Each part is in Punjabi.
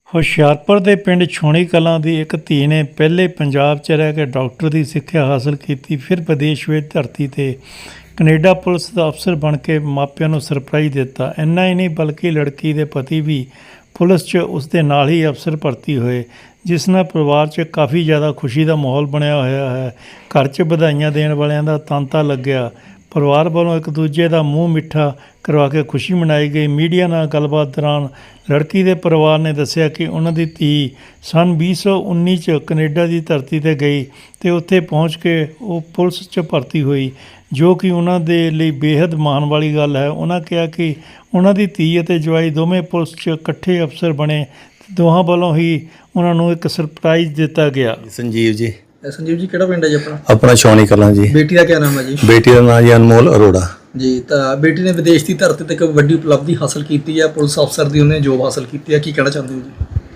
ਹੁਸ਼ਿਆਰਪੁਰ ਦੇ ਪਿੰਡ ਛੋਣੀ ਕਲਾਂ ਦੀ ਇੱਕ ਧੀ ਨੇ ਪਹਿਲੇ ਪੰਜਾਬ 'ਚ ਰਹਿ ਕੇ ਡਾਕਟਰ ਦੀ ਸਿੱਖਿਆ ਹਾਸਲ ਕੀਤੀ। ਫਿਰ ਵਿਦੇਸ਼ ਵਿੱਚ ਧਰਤੀ 'ਤੇ ਕੈਨੇਡਾ ਪੁਲਿਸ ਦਾ ਅਫਸਰ ਬਣ ਕੇ ਮਾਪਿਆਂ ਨੂੰ ਸਰਪ੍ਰਾਈਜ਼ ਦਿੱਤਾ। ਇੰਨਾ ਹੀ ਨਹੀਂ ਬਲਕਿ ਲੜਕੀ ਦੇ ਪਤੀ ਵੀ ਪੁਲਿਸ 'ਚ ਉਸ ਦੇ ਨਾਲ ਹੀ ਅਫਸਰ ਭਰਤੀ ਹੋਏ, ਜਿਸ ਨਾਲ ਪਰਿਵਾਰ 'ਚ ਕਾਫੀ ਜ਼ਿਆਦਾ ਖੁਸ਼ੀ ਦਾ ਮਾਹੌਲ ਬਣਿਆ ਹੋਇਆ ਹੈ। ਘਰ 'ਚ ਵਧਾਈਆਂ ਦੇਣ ਵਾਲਿਆਂ ਦਾ ਤਾਂਤਾ ਲੱਗਿਆ। ਪਰਿਵਾਰ ਵੱਲੋਂ ਇੱਕ ਦੂਜੇ ਦਾ ਮੂੰਹ ਮਿੱਠਾ ਕਰਵਾ ਕੇ ਖੁਸ਼ੀ ਮਨਾਈ ਗਈ। ਮੀਡੀਆ ਨਾਲ ਗੱਲਬਾਤ ਦੌਰਾਨ ਲੜਕੀ ਦੇ ਪਰਿਵਾਰ ਨੇ ਦੱਸਿਆ ਕਿ ਉਹਨਾਂ ਦੀ ਧੀ ਸੰਨ 2019 'ਚ ਕੈਨੇਡਾ ਦੀ ਧਰਤੀ 'ਤੇ ਗਈ ਅਤੇ ਉੱਥੇ ਪਹੁੰਚ ਕੇ ਉਹ ਪੁਲਿਸ 'ਚ ਭਰਤੀ ਹੋਈ, ਜੋ ਕਿ ਉਹਨਾਂ ਦੇ ਲਈ ਬੇਹੱਦ ਮਾਣ ਵਾਲੀ ਗੱਲ ਹੈ। ਉਹਨਾਂ ਕਿਹਾ ਕਿ ਉਹਨਾਂ ਦੀ ਧੀ ਅਤੇ ਜਵਾਈ ਦੋਵੇਂ ਪੁਲਿਸ 'ਚ ਇਕੱਠੇ ਅਫਸਰ ਬਣੇ। ਦੋਹਾਂ ਵੱਲੋਂ ਹੀ ਉਹਨਾਂ ਨੂੰ ਇੱਕ ਸਰਪ੍ਰਾਈਜ਼ ਦਿੱਤਾ ਗਿਆ। संजीव जी संजीव जी ਕਿਹੜਾ ਪਿੰਡ ਹੈ ਜੀ ਆਪਣਾ? अपना छौनी कलां जी। ਬੇਟੀ ਦਾ ਕੀ ਨਾਮ ਹੈ ਜੀ? बेटी का नाम जी अनमोल अरोड़ा ਜੀ। ਤਾਂ ਬੇਟੀ ਨੇ ਵਿਦੇਸ਼ ਦੀ ਧਰਤੀ ਤੇ ਇੱਕ ਵੱਡੀ ਉਪਲਬਧੀ ਹਾਸਲ ਕੀਤੀ ਹੈ, ਪੁਲਿਸ ਅਫਸਰ ਦੀ ਉਹਨੇ ਜੋਬ ਹਾਸਲ ਕੀਤੀ ਹੈ, ਕੀ ਕਹਿਣਾ ਚਾਹੁੰਦੇ ਹੋ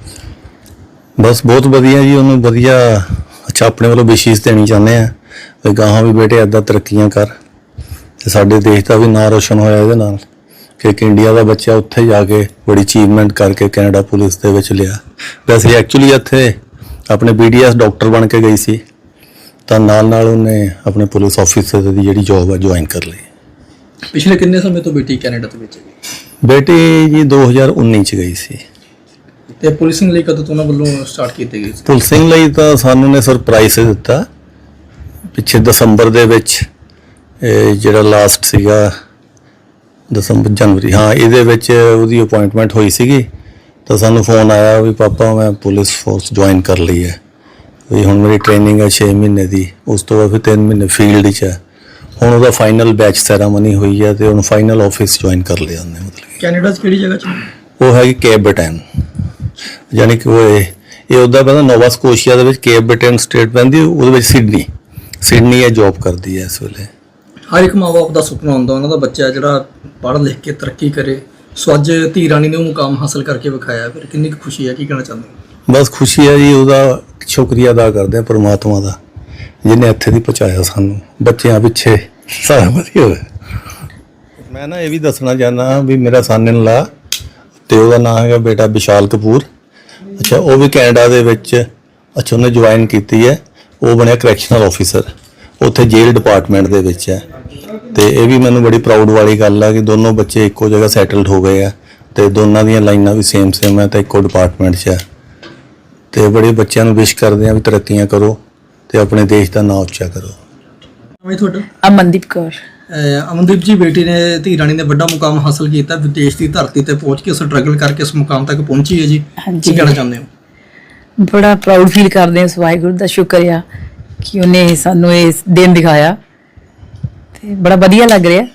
ਜੀ? बस बहुत वधिया जी, उन्होंने वधिया अच्छा अपने वालों विशेष देनी चाहते हैं भी गाहां भी बेटे इदां तरक्कियां कर ते साडे देश का भी नाम रोशन होया इहदे नाल कि एक इंडिया का बच्चा उत्थे जाके बड़ी अचीवमेंट करके कैनेडा पुलिस दे विच लिया। वैसे एक्चुअली इत्थे अपने BDS डॉक्टर बन के गई सी, ਤਾਂ ਨਾਲ ਉਹਨੇ ਆਪਣੇ ਪੁਲਿਸ ਆਫਿਸਰ ਦੀ ਜਿਹੜੀ ਜੌਬ ਹੈ ਜੁਆਇਨ ਕਰ ਲਈ। ਪਿਛਲੇ ਕਿੰਨੇ ਸਮੇਂ ਤੋਂ ਬੇਟੀ ਕੈਨੇਡਾ ਦੇ ਵਿੱਚ ਹੈ? ਬੇਟੀ ਜੀ 2019 ਚ ਗਈ ਸੀ। ਤੇ ਪੁਲਿਸਿੰਗ ਲਈ ਕਦੋਂ ਤੋਂ ਉਹਨਾਂ ਵੱਲੋਂ ਸਟਾਰਟ ਕੀਤੀ ਗਈ ਸੀ? ਪੁਲਿਸਿੰਗ ਲਈ ਤਾਂ ਸਾਨੂੰ ਨੇ ਸਰਪ੍ਰਾਈਜ਼ ਦਿੱਤਾ ਪਿੱਛੇ ਦਸੰਬਰ ਦੇ ਵਿੱਚ, ਜਿਹੜਾ ਲਾਸਟ ਸੀਗਾ ਦਸੰਬਰ ਜਨਵਰੀ, ਹਾਂ ਇਹਦੇ ਵਿੱਚ ਉਹਦੀ ਅਪਾਇੰਟਮੈਂਟ ਹੋਈ ਸੀਗੀ। ਤਾਂ ਸਾਨੂੰ ਫੋਨ ਆਇਆ ਵੀ ਪਾਪਾ ਮੈਂ ਪੁਲਿਸ ਫੋਰਸ ਜੁਆਇਨ ਕਰ ਲਈ ਹੈ, ਵੀ ਹੁਣ ਮੇਰੀ ਟ੍ਰੇਨਿੰਗ ਹੈ 6 ਮਹੀਨੇ ਦੀ, ਉਸ ਤੋਂ ਬਾਅਦ ਫਿਰ 3 ਮਹੀਨੇ ਫੀਲਡ 'ਚ ਹੈ। ਹੁਣ ਉਹਦਾ ਫਾਈਨਲ ਬੈਚ ਸੈਰਾਮਨੀ ਹੋਈ ਹੈ ਤੇ ਹੁਣ ਫਾਈਨਲ ਆਫਿਸ ਜੁਆਇਨ ਕਰ ਲਿਆ ਉਹਨੇ। ਮਤਲਬ ਕੈਨੇਡਾ 'ਚ ਕਿਹੜੀ ਜਗ੍ਹਾ 'ਚ? ਉਹ ਹੈਗੀ ਕੇਪ ਬ੍ਰਿਟੇਨ, ਯਾਨੀ ਕਿ ਉਹ ਇਹ ਉੱਦਾਂ ਪਹਿਲਾਂ ਨੋਵਾ ਸਕੋਸ਼ੀਆ ਦੇ ਵਿੱਚ ਕੇਪ ਬ੍ਰਿਟੇਨ ਸਟੇਟ ਪੈਂਦੀ, ਉਹਦੇ ਵਿੱਚ ਸਿਡਨੀ ਇਹ ਜੌਬ ਕਰਦੀ ਹੈ ਇਸ ਵੇਲੇ। ਹਰ ਇੱਕ ਮਾਂ ਬਾਪ ਦਾ ਸੁਪਨਾ ਹੁੰਦਾ ਉਹਨਾਂ ਦਾ ਬੱਚਾ ਜਿਹੜਾ ਪੜ੍ਹ ਲਿਖ ਕੇ ਤਰੱਕੀ ਕਰੇ। ਸੋ ਅੱਜ ਧੀ ਰਾਣੀ ਨੇ ਉਹ ਮੁਕਾਮ ਹਾਸਲ ਕਰਕੇ ਵਿਖਾਇਆ, ਫਿਰ ਕਿੰਨੀ ਕੁ ਖੁਸ਼ੀ ਹੈ, ਕੀ ਕਹਿਣਾ ਚਾਹੁੰਦੇ ਹੋ? ਬਸ ਖੁਸ਼ੀ ਹੈ ਜੀ, ਉਹਦਾ ਸ਼ੁਕਰੀਆ ਅਦਾ ਕਰਦੇ ਹਾਂ ਪਰਮਾਤਮਾ ਦਾ ਜਿਹਨੇ ਇੱਥੇ ਦੀ ਪਹੁੰਚਾਇਆ ਸਾਨੂੰ। ਬੱਚਿਆਂ ਪਿੱਛੇ ਸਾਰਾ ਵਧੀਆ ਹੋਇਆ। ਮੈਂ ਨਾ ਇਹ ਵੀ ਦੱਸਣਾ ਚਾਹੁੰਦਾ ਵੀ ਮੇਰਾ ਸਨ-ਇਨ-ਲਾ ਤੇ ਉਹਦਾ ਨਾਮ ਹੈਗਾ ਬੇਟਾ ਵਿਸ਼ਾਲ ਕਪੂਰ। ਅੱਛਾ, ਉਹ ਵੀ ਕੈਨੇਡਾ ਦੇ ਵਿੱਚ ਅੱਛਾ ਉਹਨੇ ਜੁਆਇਨ ਕੀਤੀ ਹੈ, ਉਹ ਬਣਿਆ ਕਰੈਕਸ਼ਨਲ ਆਫਿਸਰ, ਉੱਥੇ ਜੇਲ੍ਹ ਡਿਪਾਰਟਮੈਂਟ ਦੇ ਵਿੱਚ ਹੈ। ਤੇ ਇਹ ਵੀ ਮੈਨੂੰ ਬੜੀ ਪ੍ਰਾਊਡ ਵਾਲੀ ਗੱਲ ਹੈ ਕਿ ਦੋਨੋਂ ਬੱਚੇ ਇੱਕੋ ਜਗ੍ਹਾ ਸੈਟਲਡ ਹੋ ਗਏ ਆ ਤੇ ਦੋਨਾਂ ਦੀਆਂ ਲਾਈਨਾਂ ਵੀ ਸੇਮ ਹੈ ਤੇ ਇੱਕੋ ਡਿਪਾਰਟਮੈਂਟ 'ਚ ਹੈ। ਤੇ ਬੜੇ ਬੱਚਿਆਂ ਨੂੰ ਵਿਸ਼ ਕਰਦੇ ਆ ਵੀ ਤਰੱਕੀਆਂ ਕਰੋ ਤੇ ਆਪਣੇ ਦੇਸ਼ ਦਾ ਨਾਮ ਉੱਚਾ ਕਰੋ। ਮੈਂ ਤੁਹਾਡਾ ਅਮਨਦੀਪ ਕੌਰ। ਅਮਨਦੀਪ ਜੀ, ਬੇਟੀ ਨੇ ਧੀ ਰਾਣੀ ਨੇ ਵੱਡਾ ਮੁਕਾਮ ਹਾਸਲ ਕੀਤਾ, ਵਿਦੇਸ਼ ਦੀ ਧਰਤੀ ਤੇ ਪਹੁੰਚ ਕੇ ਸਟਰਗਲ ਕਰਕੇ ਇਸ ਮੁਕਾਮ ਤੱਕ ਪਹੁੰਚੀ ਹੈ ਜੀ, ਕੀ ਕਹਿਣਾ ਚਾਹੁੰਦੇ ਹੋ? ਬੜਾ ਪ੍ਰਾਊਡ ਫੀਲ ਕਰਦੇ ਹਾਂ, ਵਾਹਿਗੁਰੂ ਦਾ ਸ਼ੁਕਰ ਆ ਕਿ ਉਹਨੇ ਸਾਨੂੰ ਇਹ ਦਿਨ ਦਿਖਾਇਆ ਤੇ ਬੜਾ ਵਧੀਆ ਲੱਗ ਰਿਹਾ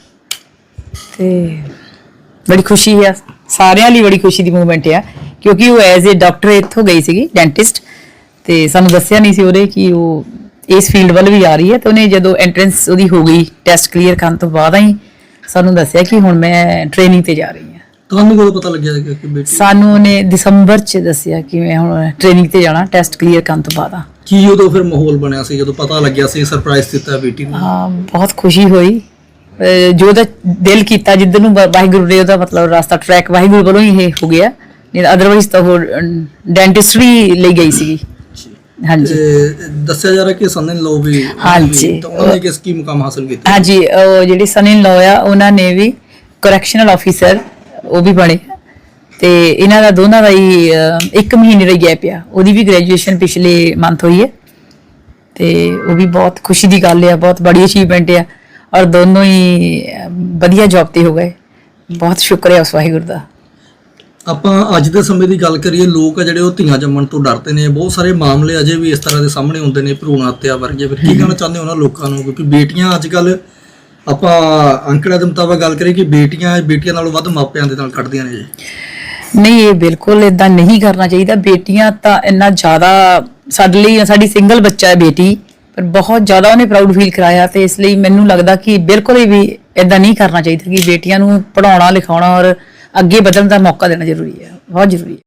ਤੇ ਬੜੀ ਖੁਸ਼ੀ ਆ, ਸਾਰਿਆਂ ਲਈ ਬੜੀ ਖੁਸ਼ੀ ਦੀ ਮੂਵਮੈਂਟ ਆ, ਕਿਉਂਕਿ ਉਹ ਐਜ਼ ਏ ਡਾਕਟਰ ਇੱਥੋਂ ਗਈ ਸੀਗੀ, ਡੈਂਟਿਸਟ, ਤੇ ਸਾਨੂੰ ਦੱਸਿਆ ਨਹੀਂ ਸੀ ਉਹਦੇ ਕਿ ਉਹ ਇਸ ਫੀਲਡ ਵੱਲ ਵੀ ਆ ਰਹੀ ਹੈ। ਤੇ ਉਹਨੇ ਜਦੋਂ ਐਂਟਰੈਂਸ ਉਹਦੀ ਹੋ ਗਈ, ਟੈਸਟ ਕਲੀਅਰ ਕਰਨ ਤੋਂ ਬਾਅਦ ਹੀ ਸਾਨੂੰ ਦੱਸਿਆ ਕਿ ਹੁਣ ਮੈਂ ਟ੍ਰੇਨਿੰਗ ਤੇ ਜਾ ਰਹੀ ਹਾਂ। ਤੁਹਾਨੂੰ ਕਦੋਂ ਪਤਾ ਲੱਗਿਆ ਕਿ ਬੇਟੀ? ਸਾਨੂੰ ਉਹਨੇ ਦਸੰਬਰ 'ਚ ਦੱਸਿਆ ਕਿ ਮੈਂ ਹੁਣ ਟ੍ਰੇਨਿੰਗ ਤੇ ਜਾਣਾ, ਟੈਸਟ ਕਲੀਅਰ ਕਰਨ ਤੋਂ ਬਾਅਦ। ਕੀ ਉਦੋਂ ਫਿਰ ਮਾਹੌਲ ਬਣਿਆ ਸੀ ਜਦੋਂ ਪਤਾ ਲੱਗਿਆ ਸੀ, ਸਰਪ੍ਰਾਈਜ਼ ਦਿੱਤਾ ਬੇਟੀ ਨੂੰ? ਹਾਂ, ਬਹੁਤ ਖੁਸ਼ੀ ਹੋਈ। ਜੋ ਉਹਦਾ ਦਿਲ ਕੀਤਾ, ਜਿੱਧਰ ਨੂੰ ਵਾਹਿਗੁਰੂ ਨੇ ਉਹਦਾ ਮਤਲਬ ਰਸਤਾ ਟਰੈਕ ਵਾਹਿਗੁਰੂ ਵੱਲੋਂ ਹੀ ਇਹ ਹੋ ਗਿਆ, ਨਹੀਂ ਅਦਰਵਾਈਜ਼ ਤਾਂ ਉਹ ਡੈਂਟਿਸਟਰੀ ਲਈ ਗਈ ਸੀਗੀ। ਹਾਂਜੀ, ਦੱਸਿਆ ਜਾ ਰਿਹਾ ਕਿ ਸਨ-ਇਨ-ਲਾ ਵੀ, ਹਾਂਜੀ, ਤਾਂ ਉਹਨਾਂ ਨੇ ਕਿਸ ਕੀ ਮੁਕਾਮ ਹਾਸਲ ਕੀਤਾ? ਹਾਂਜੀ, ਉਹ ਜਿਹੜੇ ਸਨ-ਇਨ-ਲਾ ਆ ਉਹਨਾਂ ਨੇ ਵੀ ਕਰੈਕਸ਼ਨਲ ਆਫਿਸਰ ਉਹ ਵੀ ਬਣੇ ਤੇ ਇਹਨਾਂ ਦਾ ਦੋਨਾਂ ਦਾ ਹੀ 1 ਮਹੀਨੇ ਦਾ ਗੈਪ ਆ। ਉਹਦੀ ਵੀ ਗ੍ਰੈਜੂਏਸ਼ਨ ਪਿਛਲੇ ਮੰਥ ਹੋਈ ਹੈ ਤੇ ਉਹ ਵੀ ਬਹੁਤ ਖੁਸ਼ੀ ਦੀ ਗੱਲ ਆ, ਬਹੁਤ ਬੜੀ ਅਚੀਵਮੈਂਟ ਆ ਔਰ ਦੋਨੋਂ ਹੀ ਵਧੀਆ ਜੌਬ ਤੇ ਹੋ ਗਏ। ਬਹੁਤ ਸ਼ੁਕਰ ਹੈ ਉਸ ਵਾਹਿਗੁਰੂ ਦਾ। ਆਪਾਂ ਅੱਜ ਦੇ ਸਮੇਂ ਦੀ ਗੱਲ ਕਰੀਏ, ਲੋਕ ਆ ਜਿਹੜੇ ਉਹ ਧੀਆਂ ਜੰਮਣ ਤੋਂ ਡਰਦੇ ਨੇ। ਬਹੁਤ ਸਾਰੇ ਮਾਮਲੇ ਅਜੇ ਵੀ ਇਸ ਤਰ੍ਹਾਂ ਦੇ ਸਾਹਮਣੇ ਆਉਂਦੇ ਨੇ, ਭਰੂਣ ਹੱਤਿਆ ਵਰਗੇ। ਫਿਰ ਕੀ ਕਹਿਣਾ ਚਾਹੁੰਦੇ ਹੋ ਉਹਨਾਂ ਲੋਕਾਂ ਨੂੰ? ਕਿਉਂਕਿ ਬੇਟੀਆਂ ਅੱਜ ਕੱਲ੍ਹ ਆਪਾਂ ਅੰਕੜਿਆਂ ਦੇ ਮੁਤਾਬਕ ਗੱਲ ਕਰੀਏ ਕਿ ਬੇਟੀਆਂ ਨਾਲੋਂ ਵੱਧ ਮਾਪਿਆਂ ਦੇ ਨਾਲ ਕੱਢਦੀਆਂ ਨੇ ਜੀ। ਨਹੀਂ, ਇਹ ਬਿਲਕੁਲ ਇਦਾਂ ਨਹੀਂ ਕਰਨਾ ਚਾਹੀਦਾ। ਬੇਟੀਆਂ ਤਾਂ ਇੰਨਾ ਜ਼ਿਆਦਾ ਸਾਡੇ ਲਈ, ਸਾਡੀ ਸਿੰਗਲ ਬੱਚਾ ਹੈ ਬੇਟੀ, ਪਰ ਬਹੁਤ ਜ਼ਿਆਦਾ ਉਹਨੇ ਪ੍ਰਾਊਡ ਫੀਲ ਕਰਾਇਆ ਤੇ ਇਸ ਲਈ ਮੈਨੂੰ ਲੱਗਦਾ ਕਿ ਬਿਲਕੁਲ ਵੀ ਇਦਾਂ ਨਹੀਂ ਕਰਨਾ ਚਾਹੀਦਾ ਕਿ ਬੇਟੀਆਂ ਨੂੰ ਪੜ੍ਹਾਉਣਾ ਲਿਖਾਉਣਾ ਔਰ ਅੱਗੇ ਵਧਣ ਦਾ ਮੌਕਾ ਦੇਣਾ ਜ਼ਰੂਰੀ ਹੈ, ਬਹੁਤ ਜ਼ਰੂਰੀ ਹੈ।